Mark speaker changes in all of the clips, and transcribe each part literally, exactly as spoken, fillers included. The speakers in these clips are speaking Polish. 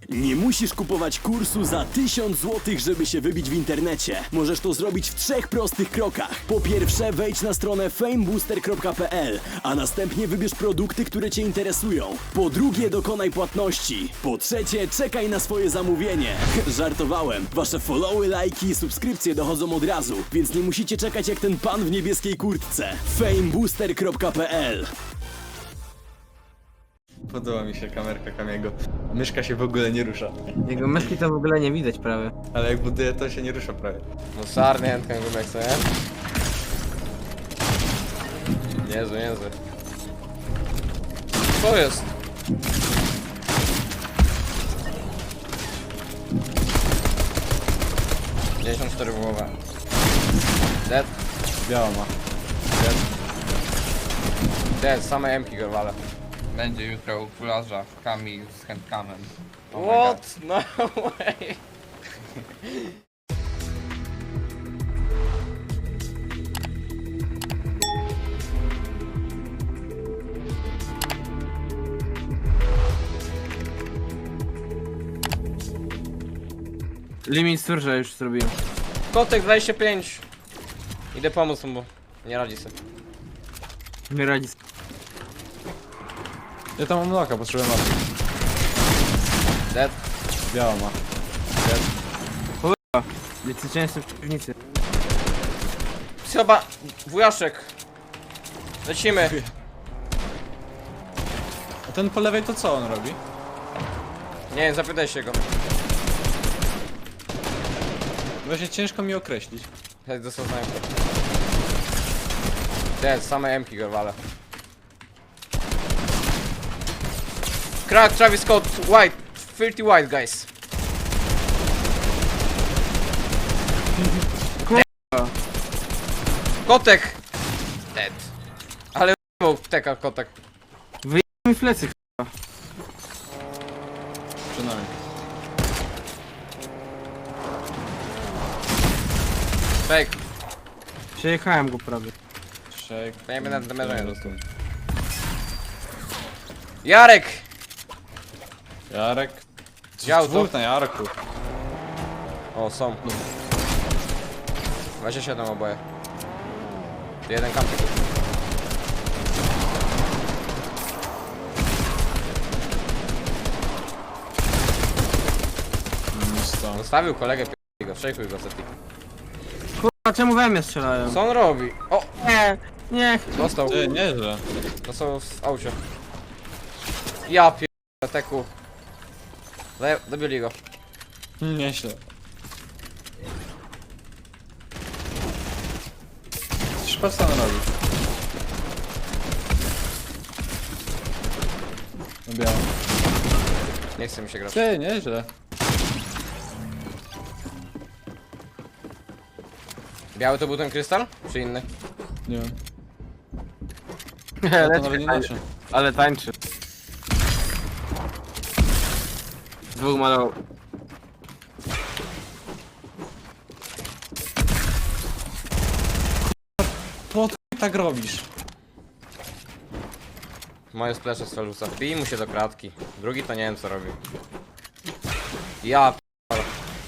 Speaker 1: Nie musisz kupować kursu za tysiąc złotych, żeby się wybić w internecie. Możesz to zrobić w trzech prostych krokach. Po pierwsze, wejdź na stronę fame booster kropka p l, a następnie wybierz produkty, które Cię interesują. Po drugie, dokonaj płatności. Po trzecie, czekaj na swoje zamówienie. Żartowałem. Wasze followy, lajki i subskrypcje dochodzą od razu, więc nie musicie czekać jak ten pan w niebieskiej kurtce. fame booster kropka p l.
Speaker 2: Podoba mi się kamerka Kamiego. Myszka się w ogóle nie rusza.
Speaker 3: Jego myszki to w ogóle nie widać prawie.
Speaker 2: Ale jak buduje, to się nie rusza prawie.
Speaker 4: No sarny chętkę gumek, co nie? Jezu, Jezu. Co jest? pięćdziesiąt cztery w głowę. Dead.
Speaker 2: Biała ma.
Speaker 4: Dead. Dead, same emki go wale.
Speaker 5: Będzie jutro u kularza w Kami z handkamem.
Speaker 4: What? No way.
Speaker 3: Limit surge już zrobiłem.
Speaker 4: Kotek dwadzieścia pięć. Idę pomóc mu, bo nie radzi sobie.
Speaker 3: Nie radzi.
Speaker 2: Ja tam mam loka, potrzebuję mapy.
Speaker 4: Dead.
Speaker 2: Biała ma.
Speaker 3: Licycznie jestem w piwnicy.
Speaker 4: Chyba wujaszek. Lecimy.
Speaker 2: A ten po lewej to co on robi?
Speaker 4: Nie wiem, zapytaj się go.
Speaker 2: Właśnie ciężko mi określić.
Speaker 4: Chodź do znajomego. Dead, same emki go wale. Crack, Travis Scott, white, filthy white guys.
Speaker 3: Kurwa.
Speaker 4: Kotek! Dead. Ale był teka kotek.
Speaker 3: Mi flecy.
Speaker 2: Przynajmniej.
Speaker 4: Fake.
Speaker 3: Przejechałem go prawie.
Speaker 2: Shake.
Speaker 4: Ja nie będę na demerze nie dostał. Jarek!
Speaker 2: Jarek.
Speaker 4: Dział to.
Speaker 2: Dwóch na Jarku.
Speaker 4: O, są. dwadzieścia siedem oboje. Jeden kampik.
Speaker 2: Stąd.
Speaker 4: Zostawił kolegę, p***, go, szejkuj go, Zeti.
Speaker 3: Kurwa, czemu we mnie strzelają?
Speaker 4: Co on robi? O!
Speaker 3: Nie, nie.
Speaker 4: Dostał.
Speaker 2: Ty, nieźle.
Speaker 4: Dostał w aucie. Ja p***, teku. Zaje- Dobili go.
Speaker 2: Nieźle. Coś patrz co on robi. No biała.
Speaker 4: Nie chce mi się grać.
Speaker 2: Ty, nieźle.
Speaker 4: Biały to był ten krystal? Czy inny?
Speaker 2: Nie wiem. Ja to
Speaker 3: Leci,
Speaker 2: nawet nie
Speaker 3: tańczy.
Speaker 2: noszę.
Speaker 3: Ale tańczy. Dwóch malował.
Speaker 2: Po co tak robisz?
Speaker 4: Moje splesze z Felusa. Wbij mu się do kratki. Drugi to nie wiem co robi. Ja p***.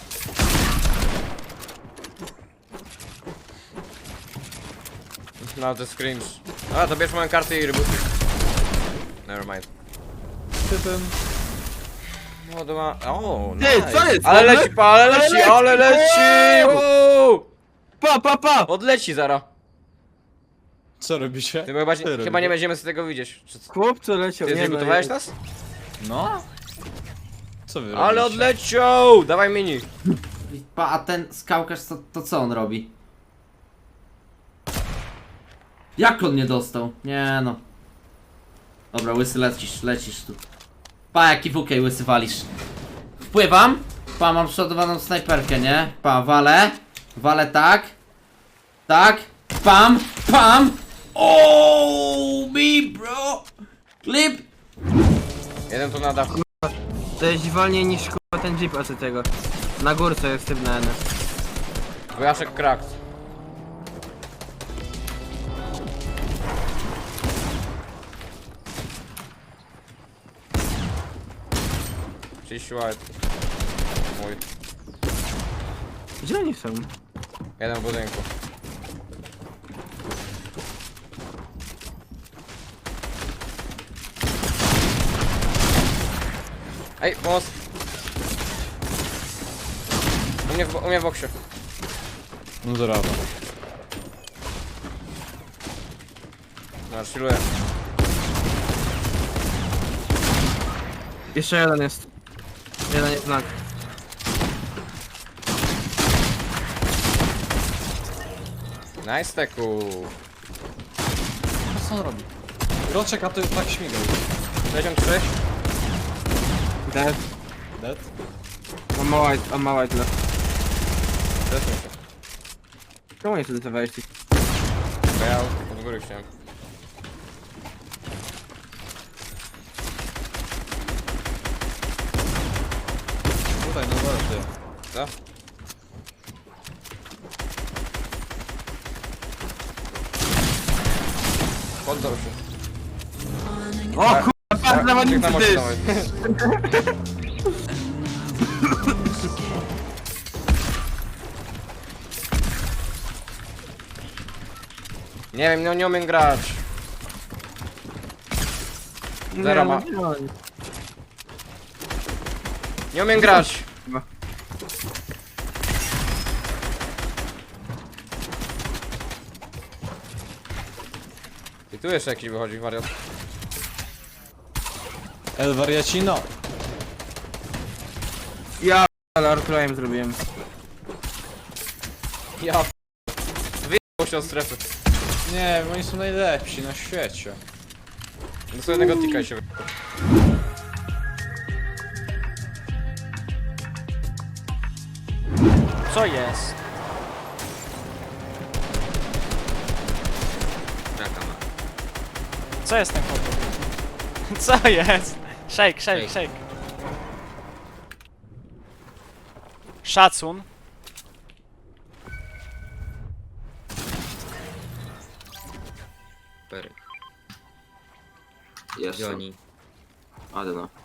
Speaker 4: No to jest cringe. A to bierz moją kartę i rebootuj. Nevermind.
Speaker 2: Ty ten...
Speaker 4: No to ma... O,
Speaker 3: Ty,
Speaker 4: nice.
Speaker 3: co jest?
Speaker 4: Ale
Speaker 3: Ale-
Speaker 4: leci, pa, ale
Speaker 3: ale
Speaker 4: leci,
Speaker 3: leci!
Speaker 4: ale leci! Wow!
Speaker 3: Pa, pa, pa!
Speaker 4: Odleci zara.
Speaker 2: Co robicie?
Speaker 4: Ty chyba,
Speaker 2: Co
Speaker 4: chyba
Speaker 2: robicie?
Speaker 4: nie będziemy z tego widzieć. Czy co?
Speaker 3: Chłopco leciał.
Speaker 4: Ty
Speaker 3: nie, no,
Speaker 4: zrebutowałeś
Speaker 3: nie.
Speaker 4: nas?
Speaker 2: No? Co wy
Speaker 4: Ale
Speaker 2: robicie?
Speaker 4: odleciał! Dawaj mini.
Speaker 6: Pa, a ten skałkarz to, to co on robi? Jak on nie dostał? Nie no. Dobra, łysy lecisz, lecisz tu. Pa, jaki wukej łysy walisz. Wpływam. Pa, mam przodowaną snajperkę, nie? Pa, walę. Walę tak. Tak. Pam, pam. Oh, me bro. Clip.
Speaker 4: Jeden tu na dachu.
Speaker 3: To jest wolniej niż kurwa ten jeep od tego. Na górce jest typ na N.
Speaker 4: Wojaszek cracked. trzydzieści white. Mój.
Speaker 3: Gdzie oni są?
Speaker 4: Jeden w budynku. Ej, pomoc! U mnie w, bo- u mnie w boksie.
Speaker 2: No zarawa.
Speaker 4: No, chilluję.
Speaker 3: Jeszcze jeden jest. Jeden jest znak.
Speaker 4: Nice teku.
Speaker 2: Co on robi? Roczek, a to tak śmigał.
Speaker 4: sześćdziesiąt trzy.
Speaker 3: Dead.
Speaker 2: Dead?
Speaker 3: On ma white, on ma white left.
Speaker 4: Zresztą się.
Speaker 3: Czemu nie wtedy te wejście?
Speaker 4: Bo ja od góry chciałem.
Speaker 2: Tutaj, no dobra, ty.
Speaker 4: Co? Poddał się.
Speaker 3: O kurwa, patrz na
Speaker 4: Czek na
Speaker 3: manicy
Speaker 4: mocy
Speaker 3: ty!
Speaker 4: dawaj. Nie wiem, no nie umiem grać. Zero ma. Nie umiem grać.
Speaker 3: Chyba.
Speaker 4: I tu jeszcze jakiś wychodzi wariat.
Speaker 2: El Variacino.
Speaker 3: Ja ale Arturem zrobiłem.
Speaker 4: Ja p- wyjechał się od strefy.
Speaker 2: Nie, oni są najlepsi na świecie.
Speaker 4: Do sobie jednego tika i się wy...
Speaker 7: Co jest? Co jest ten chłopak? Co jest? Shake, shake, shake. Szacun.
Speaker 3: Jest.
Speaker 8: Joni.
Speaker 3: I don't know.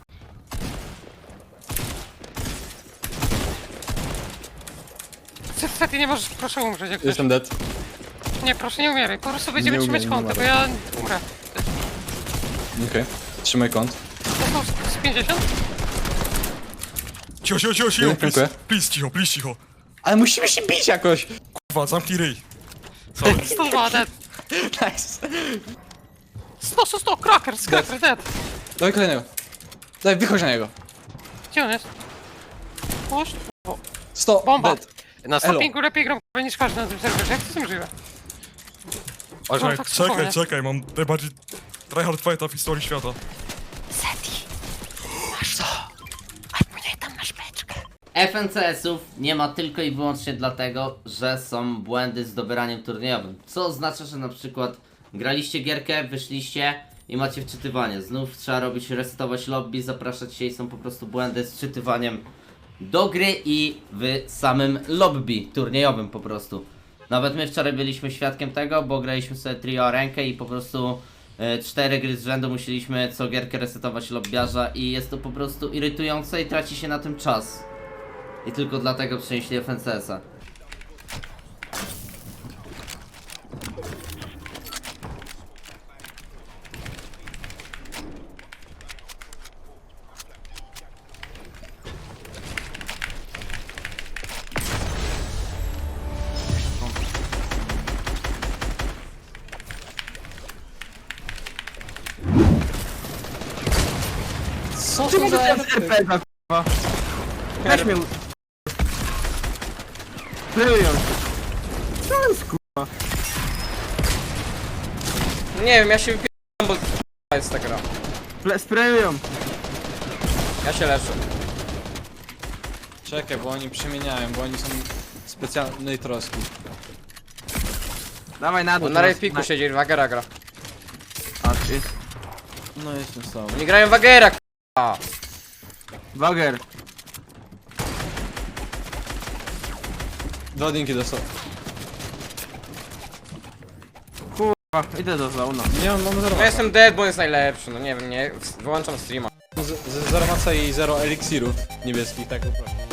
Speaker 9: Niestety nie możesz, proszę umrzeć jak ktoś.
Speaker 2: Jestem dead.
Speaker 9: Nie, proszę nie umieraj, po prostu będziemy
Speaker 2: Nie
Speaker 9: trzymać
Speaker 2: umiem, nie
Speaker 9: kąty, bo
Speaker 2: umarłem.
Speaker 9: ja umrę.
Speaker 2: Okej. Trzymaj kąt.
Speaker 9: To są z pięćdziesiąt?
Speaker 10: Cicho, cicho, cicho, cicho,
Speaker 2: Dziękuję.
Speaker 10: please, please, cicho, please, cicho.
Speaker 2: Ale musimy się bić jakoś!
Speaker 10: Kurwa, zamknij ryj. Sorry.
Speaker 9: sto dwa, dead.
Speaker 2: Nice.
Speaker 9: sto, sto, sto, crackers, crackers, dead.
Speaker 2: Dawaj kolejnego. Daj, wychodź na niego.
Speaker 9: Gdzie on jest? Puść.
Speaker 2: sto,
Speaker 9: Bomba.
Speaker 2: dead.
Speaker 9: Na
Speaker 2: Elo.
Speaker 9: stoppingu lepiej gram k***a, niż każdy na tym serwerze, jak to z tym żyje?
Speaker 10: Czekaj,
Speaker 9: tak
Speaker 10: czekaj,
Speaker 9: spokojnie.
Speaker 10: czekaj, mam najbardziej tryhard fighta w historii świata.
Speaker 6: F N C S-ów nie ma tylko i wyłącznie dlatego, że są błędy z dobieraniem turniejowym. Co oznacza, że na przykład graliście gierkę, wyszliście i macie wczytywanie. Znów trzeba robić, resetować lobby, zapraszać się i są po prostu błędy z wczytywaniem do gry i w samym lobby turniejowym po prostu. Nawet my wczoraj byliśmy świadkiem tego, bo graliśmy sobie trio o rękę i po prostu e, cztery gry z rzędu musieliśmy co gierkę resetować lobbiarza i jest to po prostu irytujące i traci się na tym czas. I tylko dlatego przenieśli F N C S-a.
Speaker 2: Co to za
Speaker 3: R P G kurwa. Weź mnie. Playują się. Co jest kurwa?
Speaker 4: Nie wiem, ja się wypieram, bo k***a jest ta gra.
Speaker 3: Ple- Sprayują.
Speaker 4: Ja się leczę.
Speaker 2: Czekaj, bo oni przemieniają, bo oni są specjalnej troski.
Speaker 3: Dawaj na dół.
Speaker 4: On na
Speaker 3: teraz.
Speaker 4: rejpiku siedzi, Wagera gra.
Speaker 3: A, jest.
Speaker 2: No jestem z tobą.
Speaker 4: Oni grają Wagera, k***a.
Speaker 3: Wager.
Speaker 2: Dwa dinki dostał.
Speaker 3: Kurwa, idę do zauna.
Speaker 2: Nie, mam, mam zero.
Speaker 4: No jestem dead, bo jest najlepszy, no nie wiem, nie, wyłączam streama.
Speaker 8: z, z zero maca i zero eliksirów niebieskich, tak po prostu.